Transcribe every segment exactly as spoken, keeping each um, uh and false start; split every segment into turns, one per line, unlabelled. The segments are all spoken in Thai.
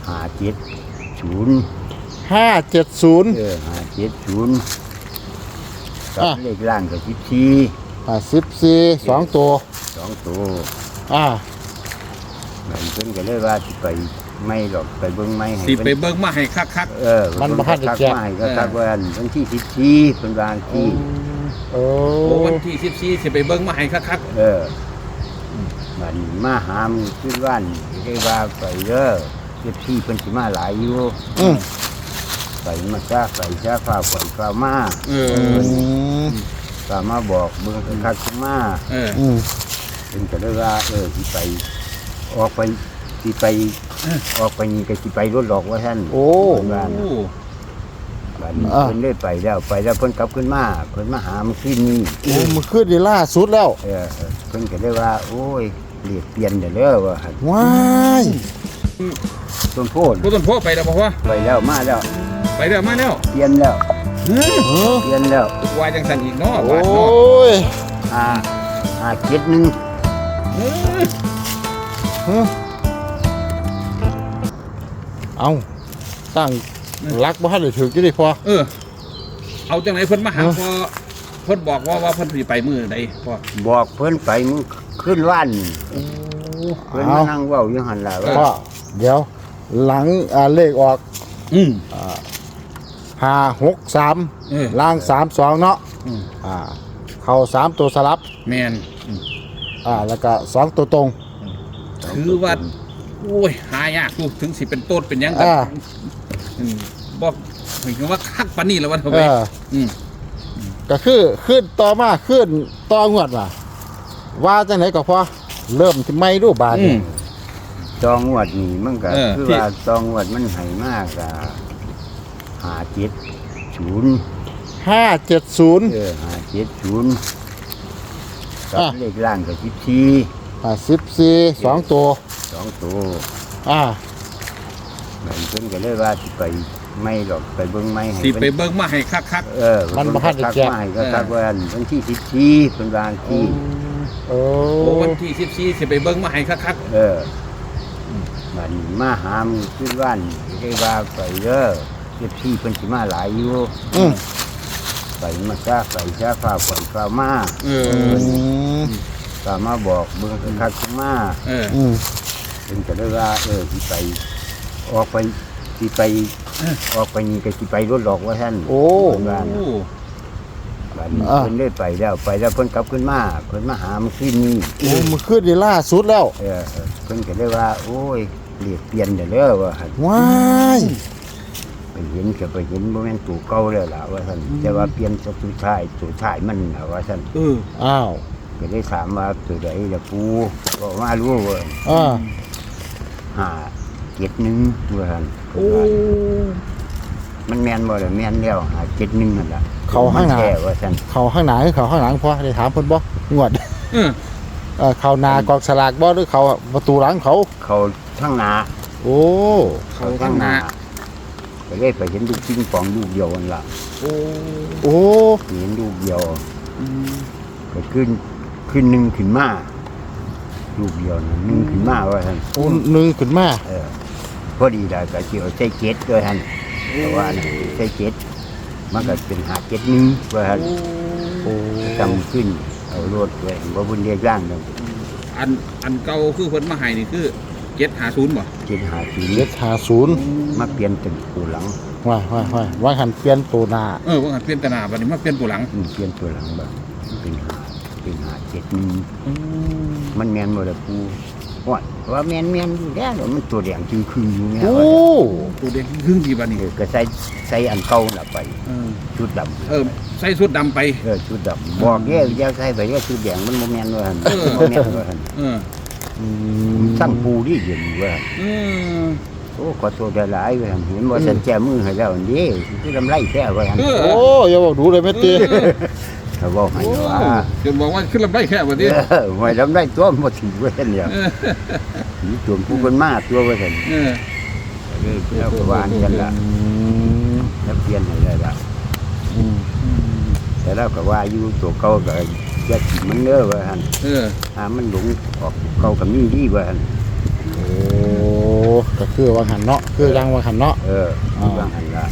ห้าเจ็ดศูนย์
ห้าเจ็ดศูนย์
เออห้าเจ็ดศูนย์กับเลขล่างกับสิบสี่
อ่าสิบสี่สองตัว
สองตัว
อ่า
เหมือนเพิ่นก็เลยว่าสิไปไม่หรอกไปเบิ่งไม่ให้
สิไปเบิ่งมาให้คัก
ๆเออ
มันบ่ทันได้แจก
มาให้คักๆว่าวันที่สิบสี่เพิ่นวางที่
โอ้
โอ้วันที่สิบสี่สิไปเบิ่งมาให้คัก
เออมันมาหามขึ้นบ้านได้ว่าไปเด้อสิบสี่เพิ่นสิมาหลายอยู่
อืม
ไปมาซะไปซะฟ้าฝนฟ้ามา
ๆเออ
ฟ้ามาบอกเบิ่งคักๆมา
เออ
อืม
เพิ่นก็เลยว่าเออสิไปออกไปสิไปออกไปนี่ก็สิไปรถหลอกว่าท่าน
โอ้
บ้านบ้านเพิ่นได้ไปแล้วไปแล้วเพิ่นกลับขึ้นมาเพิ่นมาหามันขึ้นนี่
โอ้มันขึ้นดีล่าสุดแล้ว
เออเพิ่นก็เลยว่าโอ้ยเรียกเปลี่ยนเด้อเด้อว่าหั่น
ว้าย
ต้นโพด
ผู้ต้นโพไปแล้วบ่ว่า
ไปแล้วมาแล้ว
ไปแล้วมาแล้ว
เปลี่ยนแล้ว
เฮ้ย
เออ
เปลี่ยนแล้ว
วายจังสันอีกเนาะ
โอ้
บาดเนาะ
ย
อ่าอ่าเจ็ดหนึ่ง
เออ
เฮ้ยเอาตั้งรักบ่ทันได้ถึกอยู่ดิพอ
เออเอาจังไหนเพิ่นมาหาพอเพิ่นบอกว่าว่าเพิ่นสิไปมื้อใดพ่อ
บอกเพิ่นไปมึงขึ้นว่านเพิ่นมา
เอา
นั่งเว้าอยู่หั่นล่ะว่า
พ่อเดี๋ยวหลังอ่าเลขออก
อืม
ห้าหกสาม
เออ
ล่างสามสองเนาะ
อืม
อ่าเข้าสามตัวสลับ
แม่นอืม
อ่าแล้วก็สองตัวตรง
ถือว่าโอ้ยหายากลูกถึงสิเป็นต้นเป็นหยังกั
อ่า
อืมบ่หมายถึงว่าคักปานนี้แล้ววันเถอะ
เอ
เว้ย
อ
อืม
ก็คือขึ้นต่อมาขึ้นต่องวดมาว่าจังไหนก็พอเริ่มที่ไม่รูปบาท
อืม
จองงวดนี่มันก็
เออ
คือว่าจองงวดมันให้มากอ่ะห้าเจ็ดศูนย์
ห้าเจ็ดศูนย์
เออห้าเจ็ดศูนย์กับ
อ่ะ
เลขล่างกับสิบสี่
อ่าสิบสี่สองตัว
สองตัว
อ่า
เหมือนเพิ่นก็เลยว่าสิไปไม่หรอกไปเบิ่งไม่ให้
สิ
เพิ่น
ไปเบิ่งมาให้คัก
เออ
มันบ่ทันได้แจก
มาให้ก็ทักว่าวันที่สิบสี่เพิ่นวางที่
โอ้
ๆโอ้วันที่สิบสี่สิไปเบิ่งมาให้คัก
เออมันมาหามขึ้นบ้านได้ว่าไปเด้อสิบสี่เพิ่นสิมาหลายอยู่
อืม
ไปมาซะไปซะฟ้าฝนฟ้ามา
ๆเออ
อืม
ฟ้ามาบอกเบิ่งคักๆมา
เออ
อืม
เพิ่นก็เลยว่าเออสิไปออกไปสิไปออกไปนี่ก็สิไปรถหลอกว่าท่าน
โอ้
เพิ่นว่า
โอ้
บัดนี้
อ่า
เพิ่นได้ไปแล้วไปแล้วเพิ่นกลับขึ้นมาเพิ่นมาหามันขึ้นนี่
โอ้มันขึ้นดีล่าสุดแล้ว
เออเออเพิ่นก็เลยว่าโอ้ยเรียกเปลี่ยนเด้อเด้อว่าหั่น
ว้าย
ไปเห็นก็ไปเห็นบ่แม่นตู่เก่าแล้วล่ะว่าท่านแต่ว่าเปลี่ยนสุดท้ายสุดท้ายมันน่ะว่าท่าน
เออ
อ้าว
ก็ได้ถามว่าตัวใดล่ะปูก็มารู้ว่า
อ่า
ห้าเจ็ดหนึ่งว่าท่านเพิ่น
โอ้
ว่ามันแม่นบ่ล่ะแม่นแล้วห้าเจ็ดหนึ่งนั่นล่ะ
เขาข้างหน้า
แท้ว่าท่าน
เขาข้างหน้าหรือเขาข้างหลังพอได้ถามเพิ่นบ่งวด
เออ
เอ่อเขาหนากองสลากบ่หรือเขาประตูหลังเขา
เขาทั้งหน้า
โอ้
เขาข้างหน้า
ก็เลยไปเห็นลูกปิงปองลูกเดียวนั่นล่ะ
โอ้
โอ้
เห็นลูกเดียว
อืม
ก็ขึ้นขึ้นหนึ่งขึ้นมาลูกเดียวนะหนึ่งขึ้นมาว่าท่าน
โอ้หนึ่งขึ้นมา
เออพอดีได้ก็เกี่ยวใช้เจ็ดด้วยท่านเพราะว่าน่ะใช้เจ็ดมันก็เป็นหาเจ็ดหนึ่งว่าท่าน
โอ้
จำขึ้นเอารถไว้ว่าบุญเรียกร่างเลย
อันอันเก่าคือเพิ่นมาให้นี่คือเจ็ดห้าศูนย์บ่
เจ็ดหาสี่
เจ็ดห้าศูนย์
มาเปลี่ยนเป็นตัวหลัง
ว้ายว้ายว้ายว่าหันเปลี่ยนตัวหน้า
เออว่าหันเปลี่ยนตนาบัดนี้มาเปลี่ยนตัวหลัง
อืมเปลี่ยนตัวหลังแบบเป็นหาเป็นหาเจ็ดหนึ่ง
อืม
มันแมนหมดเลยปูว่าว่าแมนแมนอยู่แล้วมันตัวแดงจึงคืนอยู่เนี่ย
โอ้
ว่า
ตัวเด็กครึ่งดีบัดนี้
เออก็ใส่ใส่อันเก่าละไป
เออ
ชุดดำ
เออใส่ชุดดำไป
เออชุดดำบอกแย่อยาใส่ไปแย่ชุดแดงมันโมแมนว่าหั่น
เออ
โมแมนว่าหั่น
เออ
อืม
สั่งปูที่เย็นว่าหั่น
เออ
โอ้ขอโทษหลายๆว่าหั่นเห็นว่าฉันแจมือให้แล้วอันนี้คือลำไรแท้ว่าหั่น
เออ
โอ้อย่าบอกดูเลยแม่ตี
เขาบอกให้
โอ้
ว่า
จนบอกว่าขึ้นลำได้แค่บัดนี้
เออหวยลำไรตัวหมดถึงว่าหั่นเนี่ย
เออ
มีตัวผู้คนมาตัวว่าหั่น
เออ
เลยแล้วก็วางกันละ
อืม
แล้วเปลี่ยนให้ได้ละ
อืม
แต่เราก็ว่าอยู่ตัวเก่าก็อย่าถิ่มมันเด้อว่าหั่น
เออ
หามันหลงออกเก่ากับมีดีว่าหั่น
โอ้ก็คือวางหันเนาะคือยังวางหันเนาะ
เออ
อ่า
บางอันละ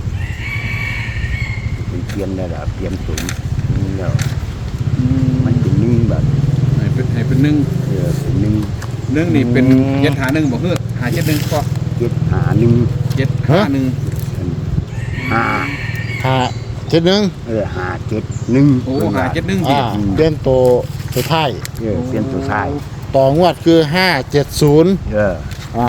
เป็นเปลี่ยนได้ละเปลี่ยนสูงนี่แล้ว
อืม
มันเป็นหนึ่งแบบ
ให้เป็นให้เป็นหนึ่ง
เออเป็นหนึ่ง
หนึ่งนี่เป็นเจ็ดหาหนึ่งบอกเฮ้อหาเจ็ดหนึ่งก็
เจ็ดหาหนึ่ง
เจ็ดห้าหนึ่ง
ห้า
หาเจ็ดหนึ่ง
เออหาเจ็ดหนึ่ง
โอ้หาเจ็ดหนึ่งสิ
อ่าเปลี่ยนตัวตัวท้าย
เออเปลี่ยนตัวท้าย
ต่องวดคือห้าเจ็ดศูนย์
เออ
อ่าง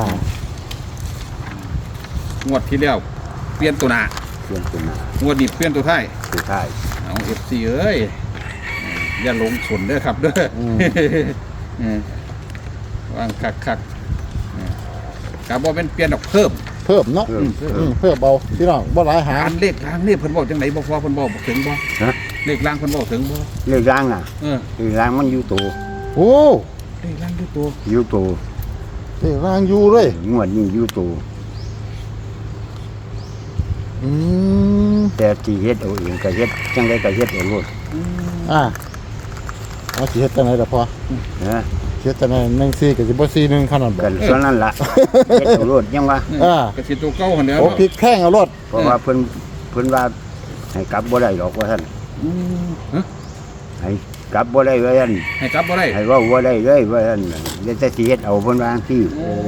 วดที่แล้วเปลี่ยนตัวหน้า
เปลี่ยนตัวหน้าง
วดนี้เปลี่ยนตัวท้าย
ตัวท้าย
เอาเอฟซีเอ้ยอย่าหลงสนเด้อครับเด้อเออวางคักคักๆเออกาบอเป็นเปลี่ยนดอกเพิ่ม
เพิ่มเนาะ
เพิ่ม
อื
เพิ่
ม
ม
เพิ่มเบาพี่น้องบ่หลายหา
อันเลขล่างนี่เพิ่นบอกจังไหนบ่พอเพิ่นบอกบ่ถึงบ่
ฮะ
เลขล่างเพิ่นบอกถึงบ่
เรื่องร่างอ่ะ
เออ
เรื่องร่างมันอยู่ตัว
โอ้
เลขล่างอยู่ตัว
อยู่ตัว
เฮ้ยร่างอยู่เลย
งวดนี้อยู่ตัว
อืม
แต่ที่เฮ็ดเอาเองก็เฮ็ดจังไดก็เฮ็ดเอาโลด
อืม
อ่าเอาสิเฮ็ดจังไดล่ะพอ
นะ
เฮ็ดจังไดหนึ่งสี่กับสิบ่สี่หนึ่งขนาดบ่
กันส่วนนั้นล่ะเฮ็ดเอาโลดยังว่า
อ่า
กระสิตัวเก่าหั่นแหล้ว
โอ้พริกแข้งเอารถ
เพราะว่าเพิ่นเพิ่นว่าให้กลับบ่ได้หรอกว่าท่าน
อืมฮะ
ให้กลับบ่ได้ว่าท่าน
ให้กลับบ่ได้
ให้เว้าบ่ได้เลยว่าท่านเดี๋ยวแต่สิเฮ็ดเอาเพิ่นว่าจังซี่
โอ้
โอ้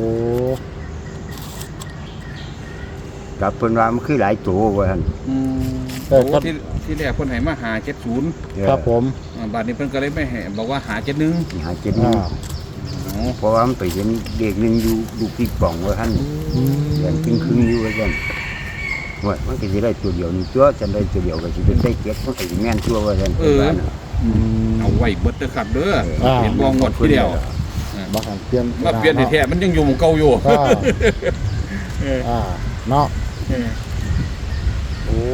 กลับเพิ่นว่ามันคือหลายตัวว่าท่าน
อืมโอ้ที่ที่แรกเพิ่นให้มาหาเจ็ดศูนย์
เออ
ครับผม
อ่าบัดนี้เพิ่นก็เลยไม่ให้บอกว่าหาเจ็ดหนึ่ง
หาเจ็ดหนึ่ง
อ่า
อ๋อ
เพราะว่ามันไปเห็นเด็กหนึงอยู่ดูปีกป่องว่าท่าน
อืม
เดือนครึ่งครึ่งๆอยู่ว่าท่านว่ามันก็สิได้ตัวเดียวนี่ตัวจันได้ตัวเดียวก็สิเป็นได้เก็ดมันก็สิแม่นตัวว่าท่านเพิ่นว่าน่ะ
อืม
เอาไว้เบิดเด้อครับเด้อ
อ่า
เห็นบ่งวดที่เดียว
บ่หันเปลี่ยน
มาเปลี่ยนแท้ๆมันยังอยู่หมู่เก่าอยู่
อ่า
เออ
อ่าเนาะ
เออ
โอ้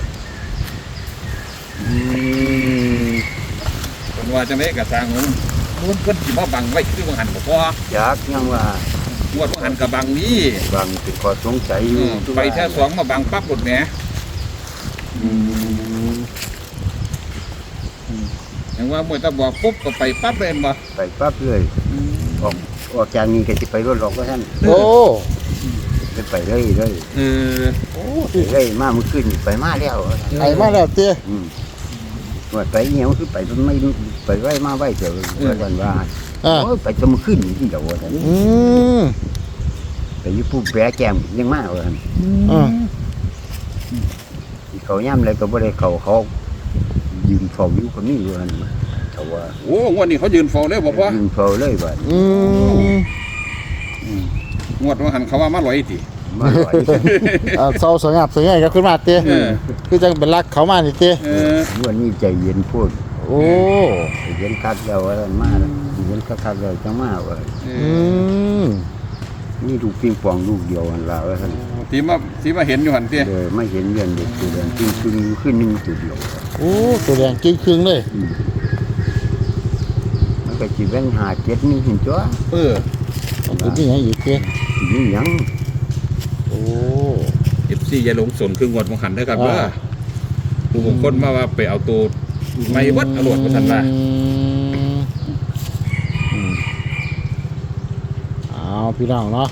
อืม
เพิ่นว่าจังได๋ก็สร้างมันมันเพิ่นสิมาบังไว้คือบ่หันบ่พอ
จากยังว่า
งวดบ่หันก็บังนี้
บางเป็นข้อสงสัยอ
เอยู่ อไปแค่สองมาบังปั๊บหมดแหม
อืม
อย่างว่ามวยตะบอกปุ๊บก็ไปปั๊บเลยเห็นบ่
ไปปั๊บเลยออกออกจากนี้ก็สิไปรถหรอกว่าท่าน
โอ้
เลยไปเลยเลย
เออ
โอ้
ไปเลยมาเมื่อคืนนี่ไปมาแล้ว
ไอ้มาแล้วเตี้ย
อืมว่าไปเหี่ยวคือไปมันไม่ไปไว้มาไว้เถอะว่าท่านว่า
อ่า
โอ้ยไปจะเมื่อคืนนี่ที่เดียวว่าท่าน
อืม
ไปอยู่ผู้แปรแกมยังมาว่าท่าน
อ่า
เขาย่ำอะไรก็บ่ได้เขาเขายืนเฝ้าอยู่ก็มีอยู่ท่านเขาว่า
โอ้งวดนี้เขายืนเฝ้าเลยบ่พอ
ยืนเฝ้าเลยว่า
อืม
งวดว่าหันเขาว่ามาลอยติ
มาลอย
อ่าเศร้าสงับสงัยครับขึ้นมาเตี้ย
เออ
คือจังเป็นรักเขามานี่เตี้ย
เออ
วันนี้ใจเย็นพูด
โอ้
ใจเย็นคักแล้วว่าท่านมาแล้วใจเย็นคักๆแล้วจังมาว่า
เอ
อื
อ
ม
นี่ลูกปิงปองลูกเดียวกันละว่าท่าน
ที่มาที่มาเห็นอยู่หันติ
เลยไม่เห็นเรียนเด็กตัวเดียวจริงจริงๆขึ้นหนึ่งตัวเดียว
โอ้ตัวแดงกิ้งครึ่งเลย
อืมมันก็จีเป็นหาเจ็ดนี่เห็นจ้ะ
เออ
เป็นที่ไหนอีกเตี้ย
นี่หยัง
โอ้
เอฟซีอย่าหลงสนคืองวดบ่หันเด้อครับเด้อผู้บางคนมาว่าไปเอาตัวไม่เบิดเอารวดว่าซั่นว่า
อืมอืมเอาพี่น้องเนาะ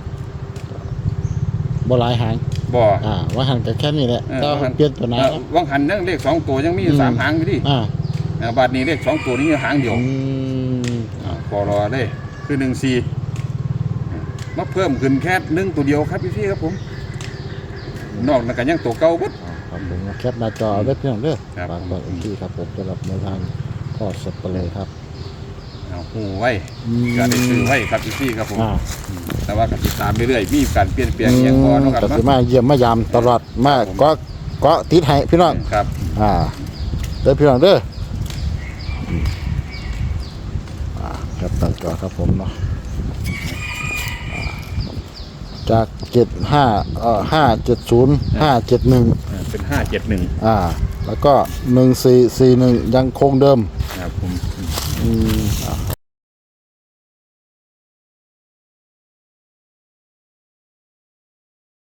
บ่หลายหาง
บ่
อ่าว่าหันกันแค่นี้แหละ
เออ
ถ้า
ว่าหัน
เปลี่ยนตัวไหน
เออวังหันนั่งเลขสองตัวยังมีอยู่
อืม
สามหางอยู่ดิ
อ่า
เออบาดนี้เลขสองตัวนี้หางเดียว
อืม
อ่าพอรอได้คือหนึ่งสี่มาเพิ่มขึ้นแค่หนึ่งตัวเดียวครับพี่พี่ครับผม นอกนั้นก็ยังตัวเก่าเบด
ครับผมแคปหน้าจอเอาไว้เพียงเด้อ
ครับ
ฝากบอกอีกทีครับผมสำหรับในทางพ่อสับเปลือครับ
เอาหูไว้
อืม
ก็ได้ซื้อไว้ครับพี่พี่ครับผม
อ่า
แต่ว่าก็ติดตามเรื่อยๆมีการเปลี่ยนแปลงอย่างพอเนาะครับ
ก็
เนาะ
สิมาเยี่ยมมายามตลอดมาก็ก็ติดให้พี่น้อง
ครับ
อ่าเด้อพี่น้องเด้ออืมอ่าครับหน้าจอครับผมเนาะอ่าจากเจ็ดห้าเอ่อห้าเจ็ดศูนย์ห้าเจ็ดหนึ่ง
อ่าเป็นห้าเจ็ดหนึ่ง
อ่า แล้วก็หนึ่งสี่สี่หนึ่งยังคงเดิม
ครับผม
อืมอ่า